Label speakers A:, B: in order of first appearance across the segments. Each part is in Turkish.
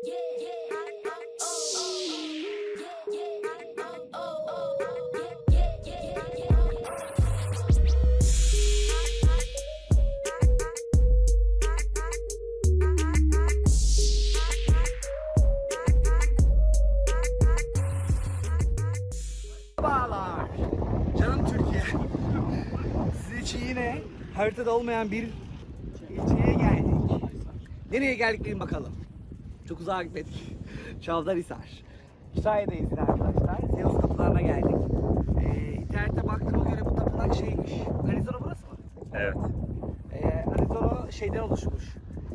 A: Merhabalar. Canım Türkiye. Siz için yine haritada olmayan bir ilçeye geldik. Nereye geldik bilin bakalım. Çok uzağa gitmedik. Çavdarhisar. Kütahya'dayız yine arkadaşlar. Zeus kapılarına geldik. İnternette baktığıma göre bu tapınak şeymiş. Arizona burası mı?
B: Evet.
A: Arizona şeyden oluşmuş.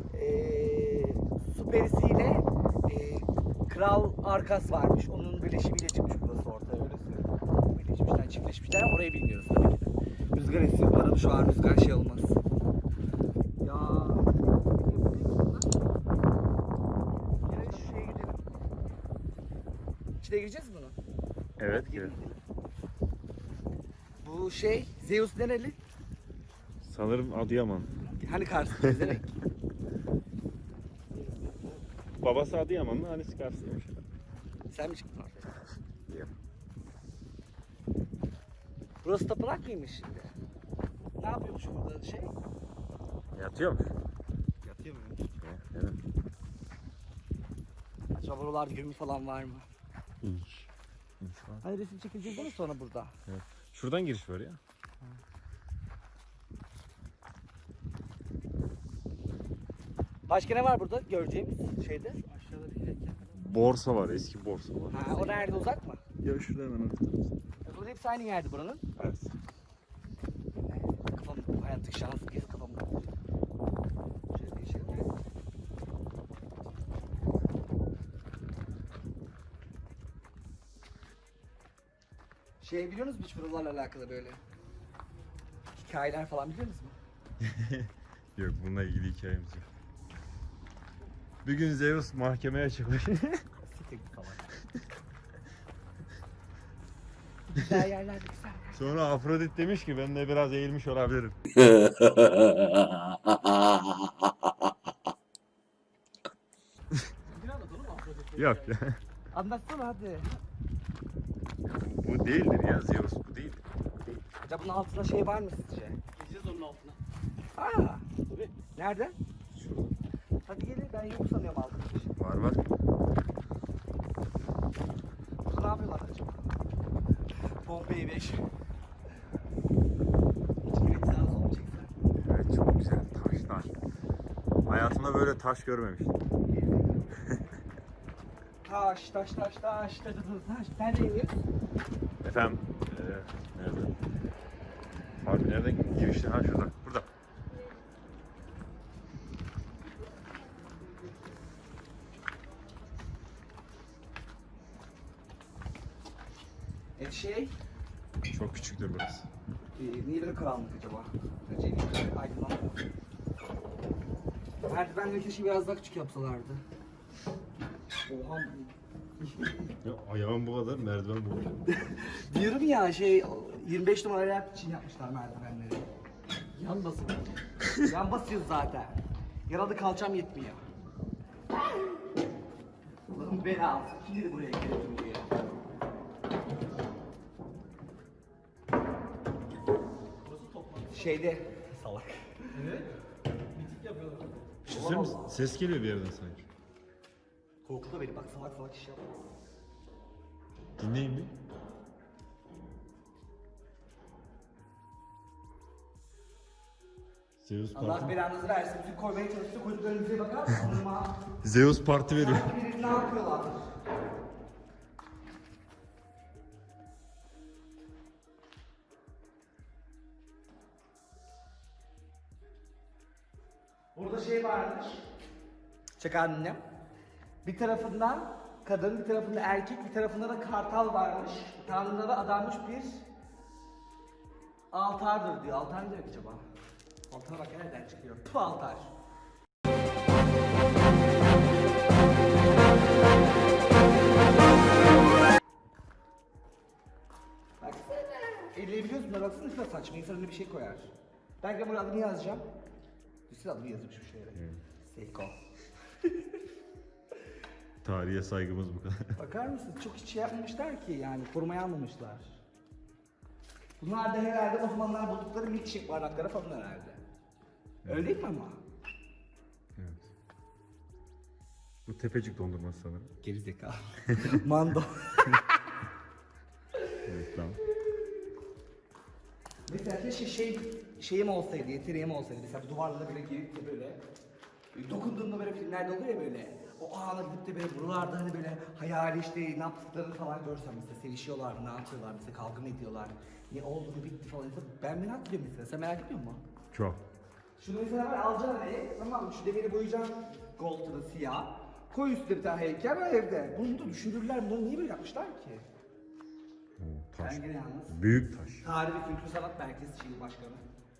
A: Su perisiyle Kral Arkas varmış. Onun birleşimiyle çıkmış burası ortaya, öyle söylüyorum. Birleşmişler, çiftleşmişler. Orayı bilmiyoruz tabii ki de. Rüzgar esiyor. Bu arada şu an rüzgar şey olmaz. Ya. Gel şu şeye gidelim. İçine gireceğiz mi bunu?
B: Evet.
A: Hadi
B: Evet.
A: gidelim. Bu şey, Zeus nereli?
B: Sanırım Adıyaman.
A: Hani Kars'ta izlemek.
B: Babası Adıyamanlı, annesi Karslıymış.
A: Sen mi çıktın ortaya? Burası tapınak mıymış şimdi? Ne yapıyormuş burada şey?
B: Yatıyormuş.
A: Yatıyor mu?
B: Evet.
A: Acaba buralarda gömü falan var mı?
B: İnş. İnş var.
A: Hani resim çekileceğiz değil mi sonra burada?
B: Evet. Şuradan giriş var ya.
A: Başka ne var burada göreceğimiz şeyde? Aşağıda bir heykel.
B: Borsa var, eski borsa var.
A: Ha, o nerede, uzak mı?
B: Ya şurada hemen ortada.
A: Burada hepsi aynı yerde buranın.
B: Evet.
A: Kafam hayattaki şans kez kafamda. Şöyle değişelim mi? Şey biliyor musunuz hiç buralarla alakalı böyle? Hikayeler falan biliyor musunuz?
B: Yok, bununla ilgili hikayemiz yok. Bir gün Zeus mahkemeye çıkmış.
A: Siktir falan. Güzel yerler de güzel.
B: Sonra Afrodit demiş ki ben de biraz eğilmiş olabilirim. Yok ya.
A: Anlatsana hadi.
B: Bu değildir ya, Zeus bu değil.
A: Acaba bunun altında şey var mı sizce?
C: Gideceğiz onun altına.
A: Aa,
C: Tabii.
A: nerede?
B: Şurada.
A: Hadi gelin, ben yok sanıyorum altında bir şey.
B: Var var.
A: Burada ne yapıyorlar acaba? Pompei 5. Hiç bilet daha sonra çeksen.
B: Evet, çok güzel taşlar. Hayatımda böyle taş görmemiştim.
A: Taş. Nerede iniyoruz?
B: Efendim, nerede? Abi nereden girişti? Ha şurada, burada.
A: Şey,
B: Çok küçüktür burası.
A: niye böyle karanlık acaba? Bence aydınlanmıyor. Merdivenleri keşke biraz daha küçük yapsalardı. Oha.
B: Ya ayağım bu kadar, merdiven bu kadar.
A: Diyorum ya şey 25 numara ayak için yapmışlar merdivenleri. Yan basıyor. Yan basıyoruz zaten. Yaralı kalçam yetmiyor. Ulan bela. Kim dedi buraya gelelim diye. Şeyde salak.
C: Mitik yapıyorlar.
B: Düşünsene misin? Ses geliyor bir yerden sanki.
A: Korktu beni, bak salak iş yapma.
B: Dinleyin bir. Zeus
A: Allah
B: parti.
A: belanızı versin. Bizi koymaya çalıştı. Çocuklarımıza bakar mısın? Ama
B: Zeus parti veriyor.
A: sanki ne yapıyorlar? Burada şey varmış. Çek annem. Bir tarafından kadın, bir tarafında erkek, bir tarafında da kartal varmış. Tanrılara adanmış bir altardır diyor. Altar ne demek acaba? Altara bak nereden çıkıyor? Tüh, altar. Baksana. Elleyebiliyorsun da baksana, şuna saçma. İnsan önüne bir şey koyar. Ben de buraya adını yazacağım. Üstüne adını yazmış bir şeylere. Seyko.
B: Tarihe saygımız bu kadar.
A: Bakar mısın? Çok hiç şey yapmamışlar ki yani korumaya almamışlar. Bunlar da herhalde o zamanlar buldukları milkshake bardakları falan herhalde. Öyle değil mi ama?
B: Evet. Bu tepecik dondurması sanırım.
A: Gerizekalı. Mando.
B: Evet, tamam.
A: Mesela keşke şeyim olsaydı, yeteneğim olsaydı. Mesela bu duvarlara böyle girip de böyle dokunduğumda böyle filmlerde oluyor ya böyle. O ana gidip de böyle buralarda hani böyle hayali işte ne yaptıklarını falan görsem mesela sevişiyorlar mı, ne yapıyorlar mesela kavga mı ediyorlar, ne oldu mu bitti falan. Ben merak ediyorum mesela, sen merak ediyor musun?
B: Çok.
A: Şunu mesela var alacaksın hani, tamam mı? Şu demiri boyayacaksın gold'unu siyah. Koy üstüne bir tane heykel var evde. Bunu da düşünürler, bunu niye böyle yapmışlar ki?
B: Oo, taş.
A: Ben gene yalnız.
B: Büyük taş.
A: Tarih ve Kültür Sanat Merkezi Şehir Başkanı.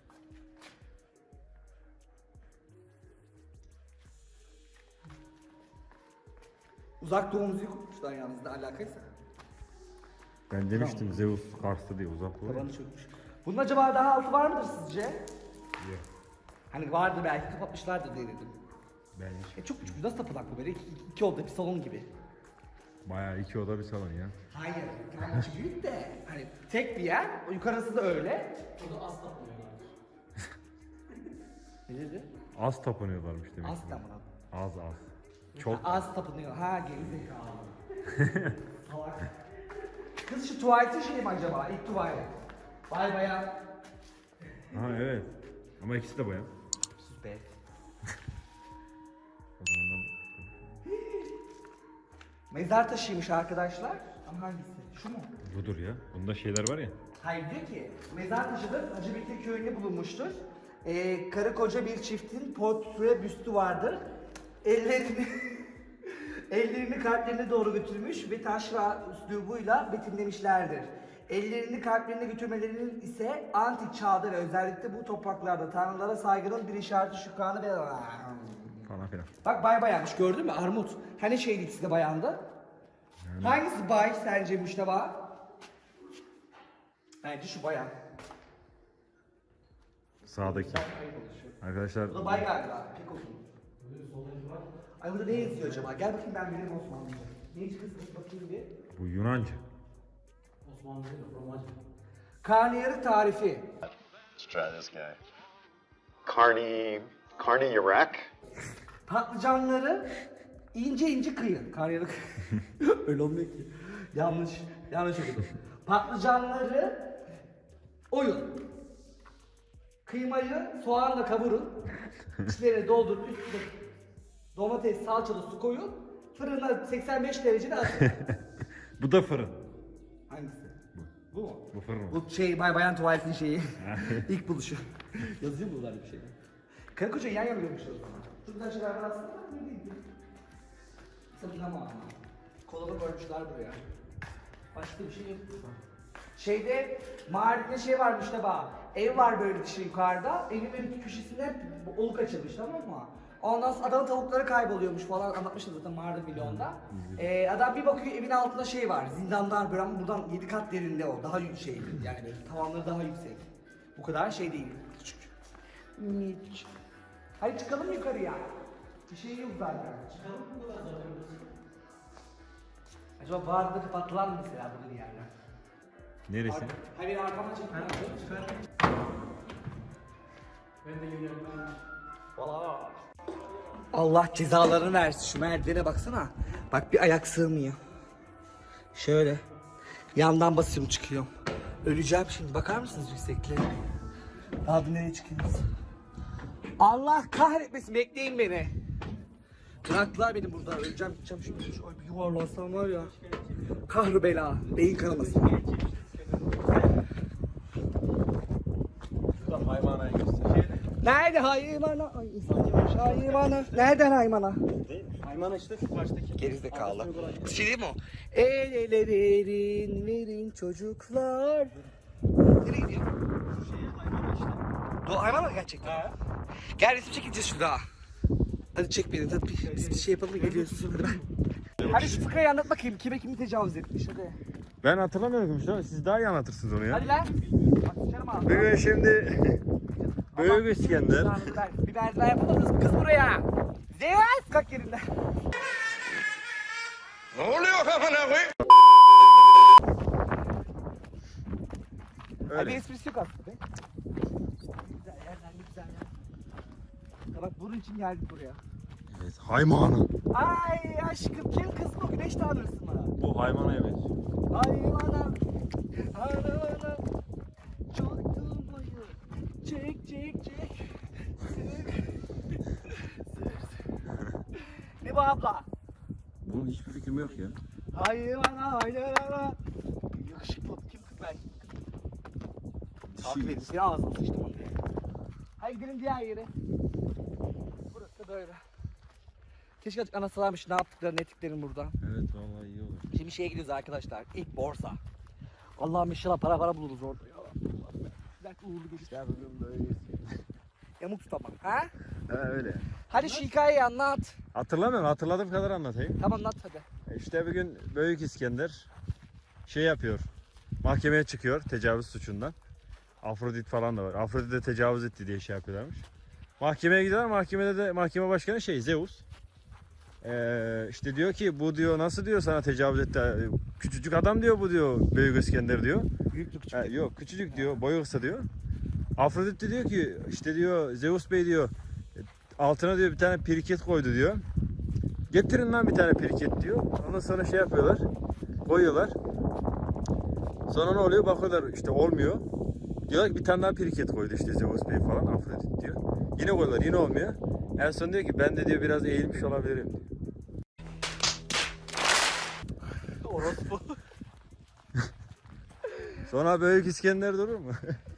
A: Uzak Doğu müziği kurmuşlar yalnız ne alakaysa.
B: Ben demiştim Zeus Kars'ta diye uzak doğu.
A: Tabanı çökmüş. Bunun acaba daha altı var mıdır sizce?
B: Yok.
A: Hani vardır belki kapatmışlardır diye dedim.
B: Ben hiç.
A: Çok küçük, nasıl tapınak bu böyle? İki oda bir salon gibi.
B: Bayağı 2 oda bir salon ya.
A: Hayır, yani içi büyük de hani tek bir yer, o yukarısı da öyle.
C: O da az tapınıyorlar.
A: Ne dedi?
B: Az tapınıyorlarmış demek.
A: Az
B: ki.
A: tapınak.
B: Az. Çok.
A: Az tapınıyor. Ha gerizekalı. Salak. Kız şu tuvaletin şey mi acaba? İlk tuvalet. Vay bayağı.
B: Ha evet. Ama ikisi de bayan.
A: Sus be.
B: O zamandan
A: Mezar taşıymış arkadaşlar. Ama hangisi? Şu mu?
B: budur ya. Bunda şeyler var ya.
A: Hayır diyor ki mezar taşıdır Hacı Bekir köyünde bulunmuştur. Karı koca bir çiftin portre büstü vardır. Ellerini kalplerine doğru götürmüş ve taşra üslubuyla betimlemişlerdir. Ellerini kalplerine götürmelerinin ise antik çağda ve özellikle bu topraklarda tanrılara saygının bir işareti şükranı ve...
B: Falan filan.
A: Bak bay bayanmış gördün mü Armut? Hani şeydi ikisi de bayandı? Hangisi bay sence Müşteba? Bence şu bayan.
B: Sağdaki. Arkadaşlar
A: Bu da bay galiba. Pek olsun. Ay burada ne yazıyor acaba? Gel bakayım ben bileyim Osmanlıca. Ne çıkıyorsun bakayım bir.
B: bu Yunanca.
C: Osmanlı değil de Romacı.
A: Karnıyarık tarifi.
D: Let's try this guy. Carne
A: Patlıcanları ince ince kıyın. Karnıyarık. Öyle olmuyor ki. Yanlış okudum. Patlıcanları oyun. Kıymayı soğanla kavurun. İçlerine doldurun. Üstüne domates, salçalı su koyun. Fırına 85 derecede atın.
B: Bu da fırın.
A: Hangisi? Bu mu?
B: Bu fırın.
A: Bu şey bayan tuvaletin şeyi. İlk buluşu. Yazıyor mu buralarda bir şeyler? Karı koca yan yana görmüşler o zaman. Şuradan şeyler var aslında ne değil mi? Sakın ama. Kolalı koymuşlar buraya. Başka bir şey yok. Şeyde mağarada şey varmış da bak. Ev var böyle dışı yukarıda. Evin böyle iki köşesinde oluk açılmış tamam mı? Ondan sonra adamın tavukları kayboluyormuş falan anlatmıştım zaten mağarada milyonda. Adam bir bakıyor evin altında şey var. Zindanlar böyle ama buradan 7 kat derinde o. Daha yüksek yani böyle tavanları daha yüksek. Bu kadar şey değil. Küçük. Minik. Hadi çıkalım yukarıya. Bir şey yok zaten. Çıkalım mı bu kadar zaten? Acaba bağırdı kapattılar mı mesela burada bir yerler?
B: Neresi?
A: Hayır arkama çek.
C: Ben de geliyorum ben.
A: Valla. Allah cezalarını versin şu merdivene baksana. Bak bir ayak sığmıyor. Şöyle. Yandan basıyorum çıkıyorum. Öleceğim şimdi bakar mısınız yüksekliğe? Abi nereye çıkıyoruz? Allah kahretmesin bekleyin beni. Bıraktılar beni burada öleceğim gideceğim şimdi. Ay bir yuvarlansam var ya. Kahrı bela. Beyin kanaması.
C: Hayvanayı göster.
A: Nerede haymana? Ay insan yemiş haymana. Nereden haymana?
C: Hayvan işte şu baştaki.
A: Gerizekalı. Şey değil mi o? El ele verin çocuklar. Nereye gidiyor?
C: Şu şeye hayvan işte.
A: Hayvan mı gerçekten? Gel resim çekeceğiz şurada. Hadi çek beni. Hadi biz bir şey yapalım da geliyoruz. Hadi ben. Hadi şu fıkrayı anlat bakayım. Kime kimi tecavüz etmiş hadi.
B: Ben hatırlamıyorum işte. Siz daha iyi anlatırsınız onu ya.
A: Hadi lan. Bak sıçarım ağzına.
B: Bugün şimdi Büyük İskender.
A: Bir merdiven yapalım kız buraya. Zeus kalk yerinden. Abi
B: Öyle.
A: esprisi yok aslında be. Güzel yerler, ne güzel yer. Ya bak bunun için geldik buraya.
B: Evet, haymana.
A: Ay aşkım kim kız bu güneş tanrısı mı?
B: Bu hayvanaya benziyor.
A: Haymana, haymana, çaktım bayı, çek çek çek. Ne bu abla?
B: Bunun hiçbir fikrim yok ya.
A: Haymana, haymana. Yakışıklı kim kız ben? Takip edin seni ağzına sıçtım onu. Hadi gidelim diğer yere. Burası da böyle. Keşke açık anlatsalarmış ne yaptıklarını ettiklerini buradan.
B: Evet vallahi iyi olur.
A: Şimdi şeye gidiyoruz arkadaşlar. İlk borsa. Allah'ım inşallah para buluruz orada ya. Bir dakika uğurlu geçiş. Ya böyle. Yamuk tut ama. Ha?
B: He öyle.
A: Hadi şu hikayeyi anlat.
B: Hatırlamıyorum, hatırladığım kadar anlatayım.
A: Tamam anlat hadi.
B: İşte bir gün Büyük İskender şey yapıyor. Mahkemeye çıkıyor tecavüz suçundan. Afrodit falan da var. Afrodit'e tecavüz etti diye şey yapıyorlarmış. Mahkemeye gidiyorlar. Mahkemede de mahkeme başkanı Zeus. İşte diyor ki bu diyor nasıl diyor sana tecavüz etti. Küçücük adam diyor bu diyor Büyük İskender diyor.
A: Büyüklük küçük.
B: Yok küçücük diyor. Boyu kısa diyor. Afrodit de diyor ki işte diyor Zeus Bey diyor altına diyor bir tane piriket koydu diyor. Getirin lan bir tane piriket diyor. Ondan sonra şey yapıyorlar. Koyuyorlar. Sonra ne oluyor? Bakıyorlar işte olmuyor. Diyorlar ki bir tane daha piriket koydu işte Zeus Bey falan Afrodit diyor. Yine koyuyorlar yine olmuyor. En son diyor ki ben de diyor biraz eğilmiş olabilirim diyor.
A: Orospu.
B: Sonra Büyük İskender durur mu?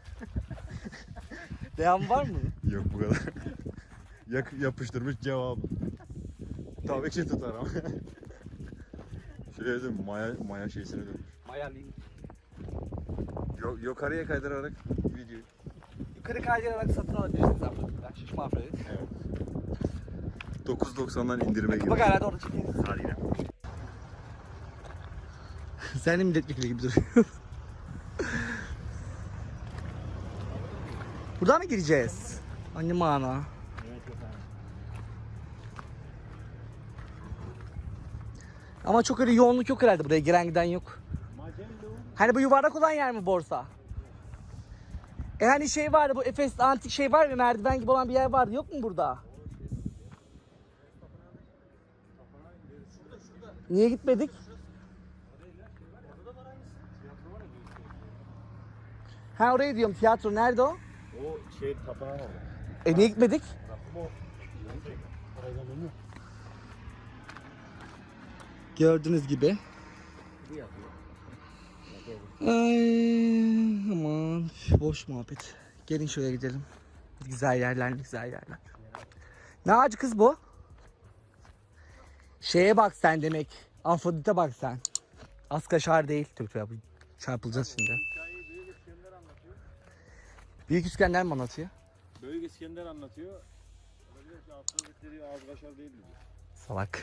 A: Devam var mı?
B: Yok bu kadar. Yapıştırmış cevabı. Tabii ki tutar ama. Şuraya dön maya şeysine dönmüş.
A: Mayarlayayım.
B: Yukarıya kaydırarak videoyu.
A: Yukarı kaydırarak satın alabilirsiniz Afrodit'ten. Şişme Afrodit.
B: Evet. 9.90'dan indirime girmiş.
A: Bak herhalde orada çekeriz.
B: Hadi yine.
A: Sen de milletvekili gibi duruyor. Buradan mı gireceğiz? Anne mana. Ama çok öyle yoğunluk yok herhalde buraya giren giden yok. Hani bu yuvarlak olan yer mi borsa? Hani şey vardı bu Efes antik şey var mı merdiven gibi olan bir yer vardı yok mu burada? Niye gitmedik? Ha oraya diyorum tiyatro nerede o?
B: O şey tapınağı var.
A: Niye gitmedik? Gördüğünüz gibi. Ay, aman boş muhabbet. Gelin şöyle gidelim. Güzel yerler, güzel yerler. Ne ağacı kız bu? Şeye bak sen demek. Afrodit'e bak sen. Az kaşar değil. Tüh, çarpılacağız şimdi.
B: Büyük İskender anlatıyor.
A: Büyük İskender mi anlatıyor?
B: Büyük İskender anlatıyor. Olabilir ki Afrodit dediği ağız kaşar değil mi?
A: Salak.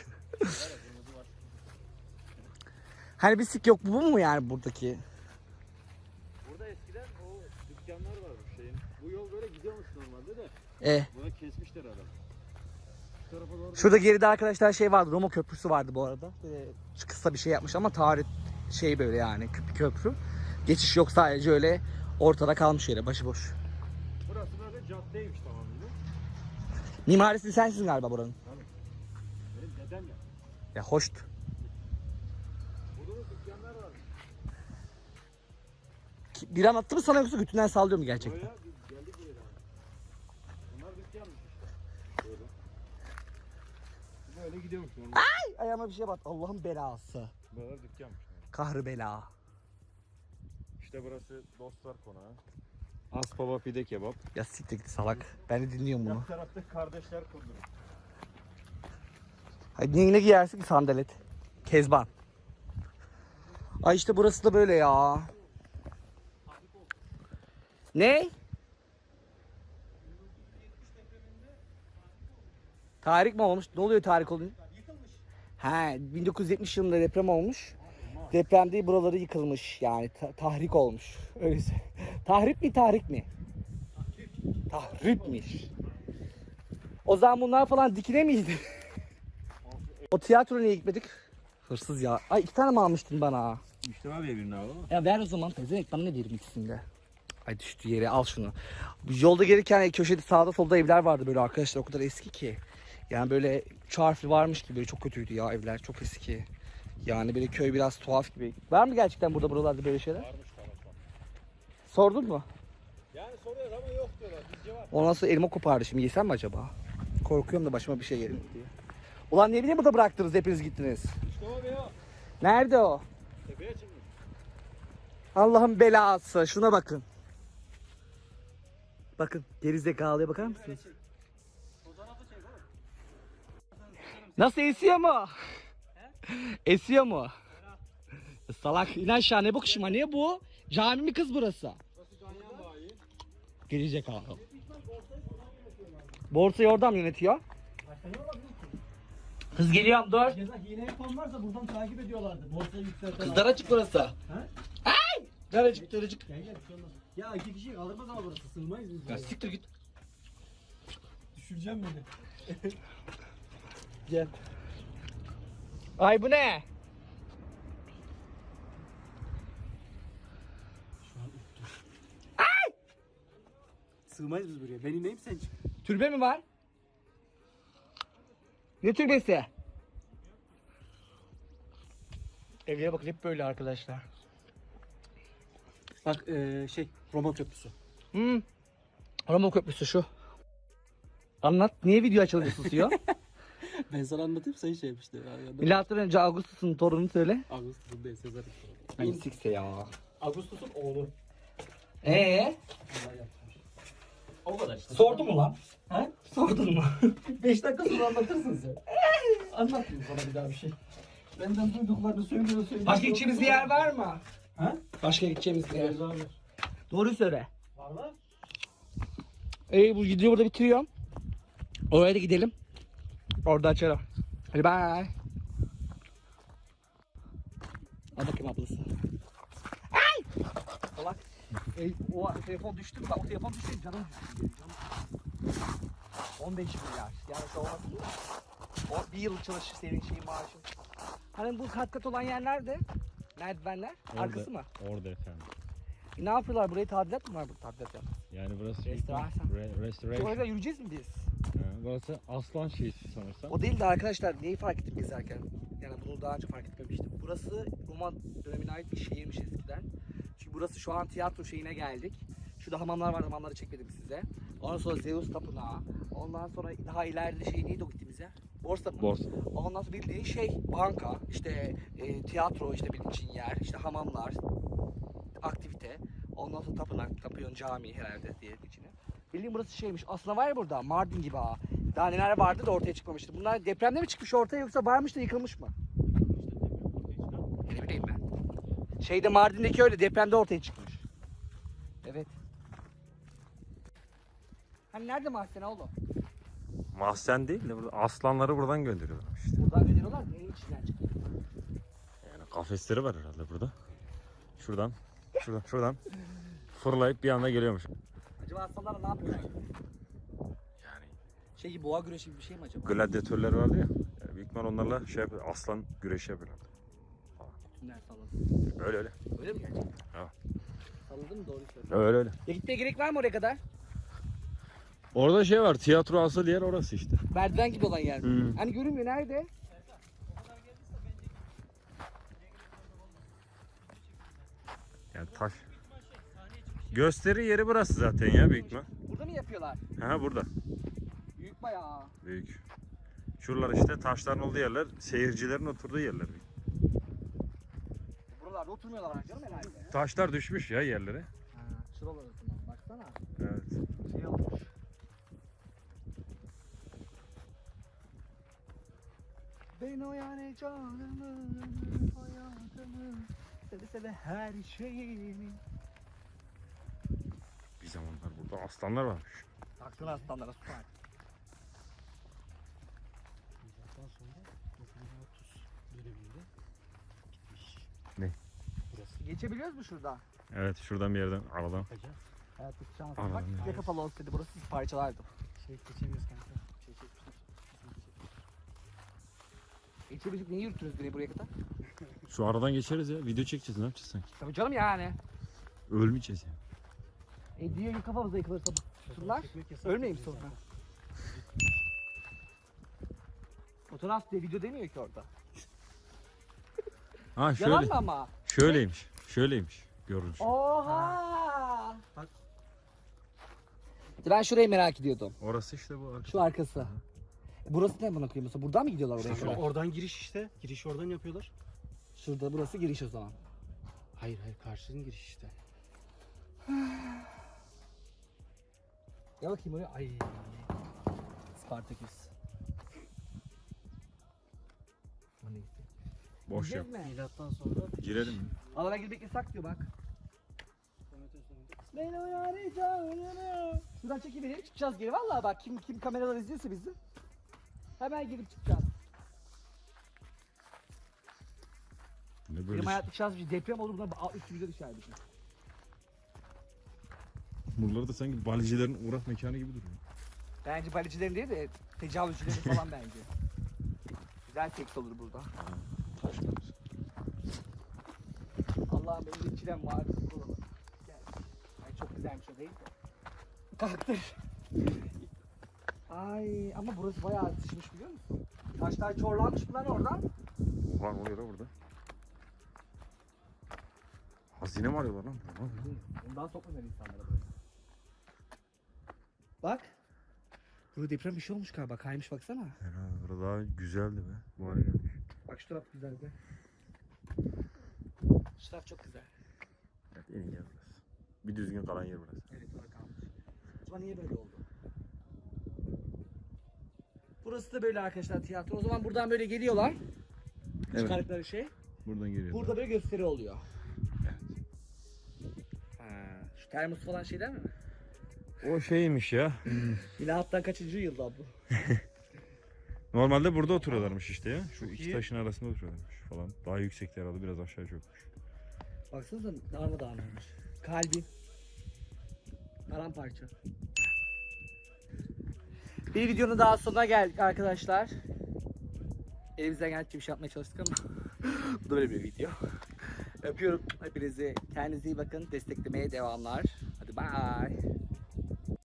A: Hani bir sik yok bu mu yani buradaki?
B: Burada eskiden o dükkanlar varmış şeyin. Bu yol böyle gidiyormuş normalde de. Buna kesmişler adam. Şu tarafa doğru.
A: Şurada geride arkadaşlar şey vardı. Roma köprüsü vardı bu arada. Böyle kısa bir şey yapmış ama tarih şey böyle yani köprü. Geçiş yok sadece öyle ortada kalmış yere başıboş.
B: Burası böyle caddeymiş tamamıyla.
A: Mimarisi sensin galiba buranın.
B: Benim dedem ya.
A: Ya hoşt.
B: Burada da dükkanlar var.
A: Bir anlattı mı sana yoksa götünden sallıyor mu gerçekten?
B: Buraya biz geldik buraya. Bunlar dükkanmış işte. Böyle gidiyormuş normal.
A: Ayağıma bir şey bat. Allah'ın belası.
B: Buralar dükkanmış.
A: Kahrı bela.
B: İşte burası dostlar konağı. Aspava pide kebap.
A: Ya siktir git salak. Ben de dinliyorum bunu.
B: Yan tarafta kardeşler kunduru.
A: Hadi yine giyersin ki sandalet. Kezban. Ay işte burası da böyle ya. Ne? Tarih mi olmuş? Ne oluyor tarih olunca? He, 1970 yılında deprem olmuş. Depremde buraları yıkılmış yani tahrik olmuş. Öyleyse. Tahrip mi tahrik mi? Tahripmiş. O zaman bunlar falan dikine miydi? O tiyatro niye gitmedik? Hırsız ya. Ay 2 tane mi almıştın bana?
B: İşte var ya birini abi.
A: Ya ver o zaman pezevenk, bana ne diyeyim ikisinde. Ay düştü yere, al şunu. Yolda gelirken köşede sağda solda evler vardı böyle arkadaşlar, o kadar eski ki. Yani böyle 3 harfli varmış gibi, böyle çok kötüydü ya evler, çok eski. Yani böyle köy biraz tuhaf gibi. Var mı gerçekten buralarda böyle şeyler?
B: Varmış tamam.
A: Sordun mu?
B: Yani soruyor ama yok diyorlar. Bizce var.
A: Ondan sonra elma kopardı, şimdi yesem mi acaba? Korkuyorum da başıma bir şey gelir diye. Ulan ne bileyim burada bıraktınız, hepiniz gittiniz.
B: İşte o be o.
A: Nerede o?
B: Tepeye çıkmış.
A: Allah'ın belası, şuna bakın. Bakın gerizekalıya bakar mısınız? Nasıl, esiyor mu? Esiyor mu? Salak, in aşağı, ne bakışma, ne bu? Cami mi kız burası? Gerizekalı. Borsayı oradan mı yönetiyor? Kız geliyorum, dur.
C: Ceza hile yapan varsa buradan takip ediyorlardı. Borsayı yükselten.
A: Kız daracık burası. Ay! Daracık.
C: Gel gel bir şey olmaz. Ya 2 kişi alırmaz ama burası, sığmayız biz.
A: Ya
C: buraya.
A: siktir git.
C: Düşüreceğim beni.
A: Gel. Ay bu ne?
C: Sığmayız biz buraya. Ben ineyim sen çık.
A: Türbe mi var? Ne türbesi? Evlere bakın, hep böyle arkadaşlar.
C: Bak Roma Köprüsü.
A: Roma Köprüsü şu. Anlat. Niye video açılınca susuyor?
C: Ben sana anlatayım, sen şey yapmıştı.
A: Milattan önce Augustus'un torununu söyle.
C: Ağustos'un değil, Sezar'ın.
A: Ay sikse ya.
C: Ağustos'un oğlu. O kadar işte.
A: Sordu mu lan?
C: He?
A: Sordun mu?
C: 5 dakika sonra anlatırsın sen. Anlatmayayım sana bir daha bir şey. Benden duyduklarını söylüyor.
A: Başka gideceğimiz bir yer var mı?
C: Ha?
A: Başka gideceğimiz bir yer.
C: Var.
A: Doğruyu söyle.
C: Var mı?
A: Bu videoyu burada bitiriyorum. Oraya da gidelim. Orada açarım. Hadi bye. Al bakayım ablası. Ay! Salak. O telefon düştü mü? Bak o telefon düştü, canım düştü. 15 milyar. Yani şu olmasın mı? O bir yıl çalışır senin şeyin maaşın. Hani bu kat kat olan yer nerede? Merdivenler. Arkası mı?
B: Orada efendim.
A: Ne yapıyorlar? Burayı tadilat mı var? Bu tadilat yap.
B: Yani burası
A: Restorasyon.
B: restoration.
A: Orada yürüyeceğiz mi biz?
B: Burası aslan şehisi sanırsam.
A: O değil de arkadaşlar, neyi fark ettim gezerken? Yani bunu daha önce fark etmemiştim. Burası Roma dönemine ait bir şehirmiş eskiden. Çünkü burası, şu an tiyatro şeyine geldik. Şurada hamamlar var, hamamları çekmedim size. Ondan sonra Zeus Tapınağı. Ondan sonra daha ileride şey neydi o gittiğimiz yer? Borsa mı?
B: Borsa.
A: Ondan sonra bildiğin şey banka, işte tiyatro, işte bildiğin yer, işte hamamlar, aktivite. Ondan sonra tapınak, tapıyorsun, cami herhalde diye içine. Bildiğin burası şeymiş. Aslında var ya burada Mardin gibi ha. Daha neler vardı da ortaya çıkmamıştı. Bunlar depremde mi çıkmış ortaya, yoksa varmış da yıkılmış mı? Ne bileyim ben. Şeyde Mardin'deki öyle depremde ortaya çıkmış. Evet. Hani nerede mahzen oğlum?
B: Mahzen değil de burada aslanları buradan gönderiyorlar işte.
A: Buradan gönderiyorlar. Neyin içinden çıkıyor?
B: Yani kafesleri var herhalde burada. Şuradan fırlayıp bir anda geliyormuş.
A: Acaba aslanlar ne yapıyorlar?
B: Yani
A: Şey gibi, boğa güreşi gibi bir şey mi acaba?
B: gladyatörler vardı ya. Yani büyük ihtimal onlarla şey yapıyor, aslan güreşi yapıyorlar.
A: Tümler salladı.
B: Öyle.
A: Öyle mi gerçekten?
B: Ha.
A: Salladın mı, doğru söylüyorsun.
B: Öyle.
A: Ya gitmeye gerek var mı oraya kadar?
B: Orada şey var, tiyatro asıl yer orası işte.
A: Merdiven gibi olan yer.
B: Hı.
A: Hani görünmüyor, nerede?
B: Yani taş. Gösteri yeri burası zaten ya büyük ihtimal.
A: Burada mı yapıyorlar?
B: Ha burada.
A: Büyük bayağı.
B: Büyük. Şuralar işte taşların olduğu yerler, seyircilerin oturduğu yerler.
A: Buralarda oturmuyorlar canım herhalde.
B: Taşlar düşmüş ya yerlere.
A: Ha, şuralar oturmuyor. Baksana.
B: Evet.
A: Şey olmuş. Ben o yani canımı, hayatımı, seve seve her şeyimi.
B: Bir zamanlar burada aslanlar varmış.
A: Baksana aslanlara, süper.
C: Ondan sonra 930 döneminde gitmiş.
B: Ne?
C: Burası
A: Geçebiliyoruz mu şurada?
B: Evet şuradan bir yerden aradan.
C: yapacağız.
A: Evet, şans.
B: Aman
A: Bak
B: ya.
A: ya kapalı olsaydı burası parçalardım.
C: Şey geçemiyoruz kanka. Şey çekmişler.
A: İçebilecek niye yürüttünüz beni buraya kadar?
B: Şu aradan geçeriz ya. Video çekeceğiz, ne yapacağız sanki?
A: Tabii canım yani.
B: Ölmeyeceğiz ya.
A: Diyor ya kafamıza yıkılırsa bunlar. Ölmeyeyim sonra. Fotoğraf diye video demiyor ki orada.
B: Ha şöyle.
A: Yalan mı ama?
B: Şöyleymiş. Şöyleymiş. Görünüş.
A: Oha! Bak. Ben şurayı merak ediyordum.
B: Orası işte bu arka.
A: Şu arkası. Burası ne bana koyayım? Mesela buradan mı gidiyorlar oraya?
C: Şurada, oradan giriş işte. Girişi oradan yapıyorlar.
A: Şurada burası giriş o zaman.
C: Hayır karşının giriş işte.
A: Ya bakayım oraya. Ay. Spartaküs. O neyse.
B: Boş yap.
A: Gideceğiz mi?
C: Milattan sonra
B: Girelim mi?
A: Alana girmek yasak diyor bak. Beni uyaracağım. Şuradan çekiverelim çıkacağız geri. Vallahi bak kim kameralar izliyorsa bizi. Hemen girip çıkacağız.
B: Ne böyle
A: Benim
B: şey?
A: hayatlık şans bir deprem olur buna üstü bize düşer bizim.
B: Buraları da sanki balicilerin uğrak mekanı gibi duruyor.
A: Bence balicilerin değil de tecavüzcülerin falan bence. Güzel seks olur burada. Allah'ım benim bir çilem var. Gel. Ay çok güzelmiş o değil mi? Kalktır. Ay ama burası bayağı sıçmış biliyor musun? Taşlar çorlanmış mı lan oradan?
B: Ulan oluyor da burada. Hazine mi arıyorlar lan? Ne oluyor?
A: Ondan sokmuyor insanlara böyle. Bak. Burada deprem bir şey olmuş galiba. Kaymış baksana.
B: Herhalde burada daha güzeldi be. Bu hale gelmiş.
A: Bak şu taraf güzel be. Şu taraf çok güzel.
B: Evet, en iyi yer burası. Bir düzgün kalan yer burası.
A: Evet orada kalmış. Acaba niye böyle oldu? Burası da böyle arkadaşlar tiyatro. O zaman buradan böyle geliyorlar.
B: Evet.
A: Çıkardıkları şey.
B: Buradan geliyor.
A: Burada böyle gösteri oluyor. Ha, şu termos falan şeyler mi?
B: O şeymiş ya.
A: Milattan kaçıncı yılda bu?
B: Normalde burada oturuyorlarmış işte ya. Şu iki
C: iyi.
B: taşın arasında oturuyorlarmış falan. Daha yüksekte herhalde, biraz aşağı çökmüş.
A: Baksanıza darmadağın olmuş. Kalbi. Paramparça. Bir videonun daha sonuna geldik arkadaşlar. Elimizden geldikçe bir şey yapmaya çalıştık ama bu da böyle bir video. Öpüyorum hepinizi. Kendinize iyi bakın. Desteklemeye devamlar. Hadi bye.